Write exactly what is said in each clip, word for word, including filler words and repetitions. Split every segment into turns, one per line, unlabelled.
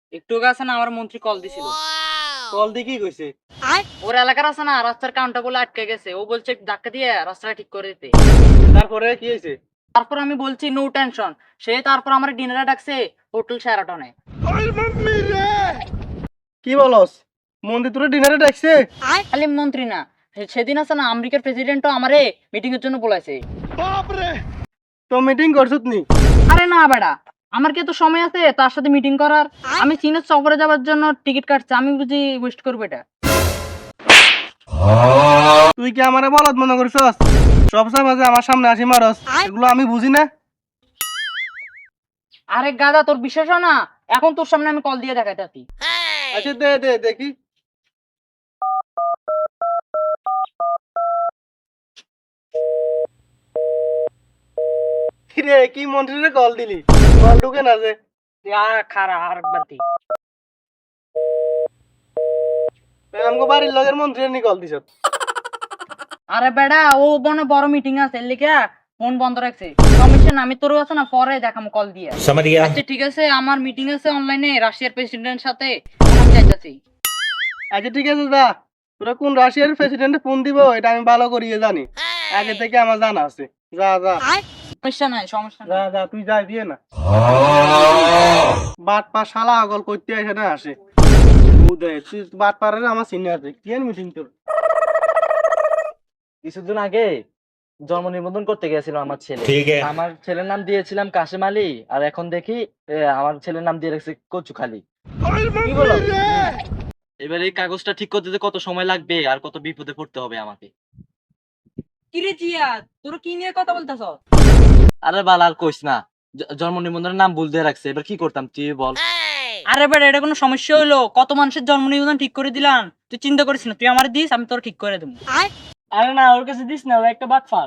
একটু আগে আছে না আমার মন্ত্রী কল দিছিল।
কল দিয়ে কি কইছে?
ওর এলাকার আছে না রাস্তার কাউন্টার বলে আটকে গেছে, ও বলছে ধাক্কা দিয়ে রাস্তাটা ঠিক করে দিতে।
তারপরে কি হয়েছে?
তারপর আমি বলছি নো টেনশন, সে তারপর আমার ডিনারে ডাকছে হোটেল শেরাটনে।
কি বলস? মন্দির তোরে ডিনারে ডাকছে?
খালি মন্ত্রী না, সেদিন আছে না আমেরিকার প্রেসিডেন্টও আমারে মিটিং এর জন্য বলাইছে।
তো মিটিং করছত নি?
আরে না বেটা, আমার কি তো সময় আছে তার সাথে মিটিং করার? আমি চীনের সফরে যাওয়ার জন্য টিকিট কাটছি, আমি বুঝি ওয়েস্ট করবো এটা?
তুই কি আমারে বলদ মনে করছস? সবসময় মাঝে আমার সামনে আসি মারস, এগুলো আমি বুঝি না।
আরে গাদা, তোর বিশ্বাস হয় না? এখন তোর সামনে আমি কল দিয়ে দেখাইতাছি।
আচ্ছা দে দে দেখি। কিরে কি মন্ত্রীরে কল দিলি? কল ঢুকে না যে?
খারা আর বাতি
আমগো বাড়ির লগের মন্ত্রী নি কল দিছত।
আরে বেড়া, ও বনে বড় মিটিং আছে এর লিগা ফোন বন্ধ রাখছে। সমস্যা না, আমি তোর আছে না পরে দেখাম কল দিয়ে। আচ্ছা ঠিক আছে, আমার মিটিং আছে অনলাইনে রাশিয়ার প্রেসিডেন্টের সাথে, আমি যাইতাছি।
আচ্ছা ঠিক আছে যা, তোরা কোন রাশিয়ার প্রেসিডেন্টে ফোন দিব এটা আমি ভালো করিয়ে জানি, আগে থেকে আমার জানা আছে। যা যা
সমস্যা নাই, সমস্যা
যা
নাই।
যা তুই যাই দিয়ে না। বাট পা শালা আগল করতে আসে না আসে। উদয় তুই বাট পারে আমার সিনিয়র আছে কি মিটিং তোর?
কিছুদিন আগে জন্ম নিবন্ধন করতে গেছিলাম আমার ছেলে। আমার ছেলের নাম দিয়েছিলাম কাশেম আলী, আর এখন দেখি এ, আমার ছেলের নাম দিয়ে রাখছে কচুখালি। কি বলো? এবার এই কাগজটা ঠিক করতে কত সময় লাগবে আর কত বিপদে পড়তে হবে আমাকে।
কিরে জিয়া, তোর কি নিয়ে কথা বলতেছ?
আরে বাল আর কইস না, জ- জন্ম নিবন্ধনের নাম ভুল দিয়ে রাখছে, এবার কি করতাম তুই বল।
আরে বেড়া, এটা কোনো সমস্যা হইলো? কত মানুষের জন্ম নিবন্ধন ঠিক করে দিলাম, তুই চিন্তা করিস না, তুই আমার দিস, আমি তোর ঠিক করে দেবো।
আরে না ওর কাছে দিস না, ও একটা বাটপার।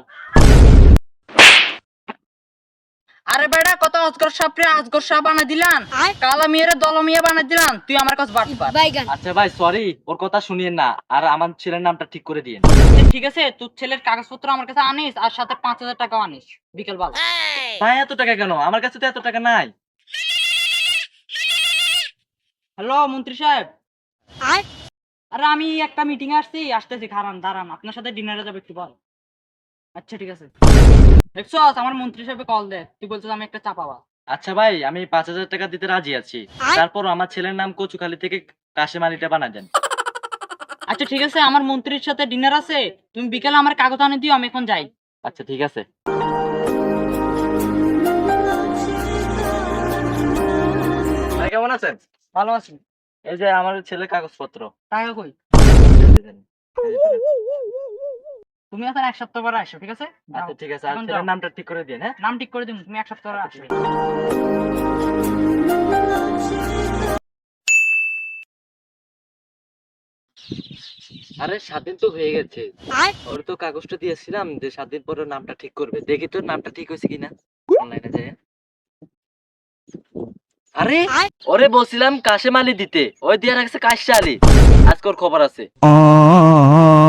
আরে বেড়া, কত আজগর সাপরে আজগর সাপ বানা দিলাম, কালা মেয়েরা দলমিয়া বানা দিলাম, তুই আমার কাছে বাট পার।
আচ্ছা ভাই সরি, ওর কথা শুনিয়েন না, আর আমার ছেলের নামটা ঠিক করে দিয়েন।
ঠিক আছে, তোর ছেলের কাগজপত্র আমার কাছে আনিস, আর সাথে পাঁচ হাজার টাকাও আনিস বিকেল বেলা।
ভাই এত টাকা কেন? আমার কাছে তো এত টাকা নাই।
হ্যালো মন্ত্রী সাহেব, আরে আমি একটা মিটিং এ আসছি, আসতেছি, খারান দাঁড়ান, আপনার সাথে ডিনারে যাবে একটু বল। আচ্ছা ঠিক আছে। দেখছো আমার মন্ত্রী সাহেব কল দে, তুই বলছিস আমি একটা চাপাবা।
আচ্ছা ভাই, আমি পাঁচ হাজার টাকা দিতে রাজি আছি, তারপর আমার ছেলের নাম কচুখালি থেকে কাশেম আলীটা বানা দেন।
আচ্ছা ঠিক আছে, আমার মন্ত্রীর সাথে ডিনার আছে, তুমি বিকেলে আমার কাগজ আনি দিও, আমি এখন যাই।
আচ্ছা ঠিক আছে। ভাই কেমন আছেন?
ভালো আছি।
এই যে আমার ছেলের কাগজপত্র।
টাকা কই? তুমি এখন এক সপ্তাহ পরে আসো, ঠিক আছে?
আচ্ছা ঠিক আছে, আর
এখন
ছেলের
যাও।
নামটা ঠিক করে দিন। হ্যাঁ
নাম ঠিক করে দিন, তুমি এক সপ্তাহ পরে
আচ্ছা,
আসবে।
ঠিক আছে। আরে সাত দিন তো হয়ে গেছে, ওর তো কাগজটা দিয়েছিলাম যে সাত দিন পরে নামটা ঠিক করবে, দেখি তোর নামটা ঠিক হয়েছে কিনা অনলাইনে যায়। আরে ওরে বলছিলাম কাশেম আলী দিতে, ওই দিয়ে রাখছে কাশা আলী, আজকে ওর খবর আছে।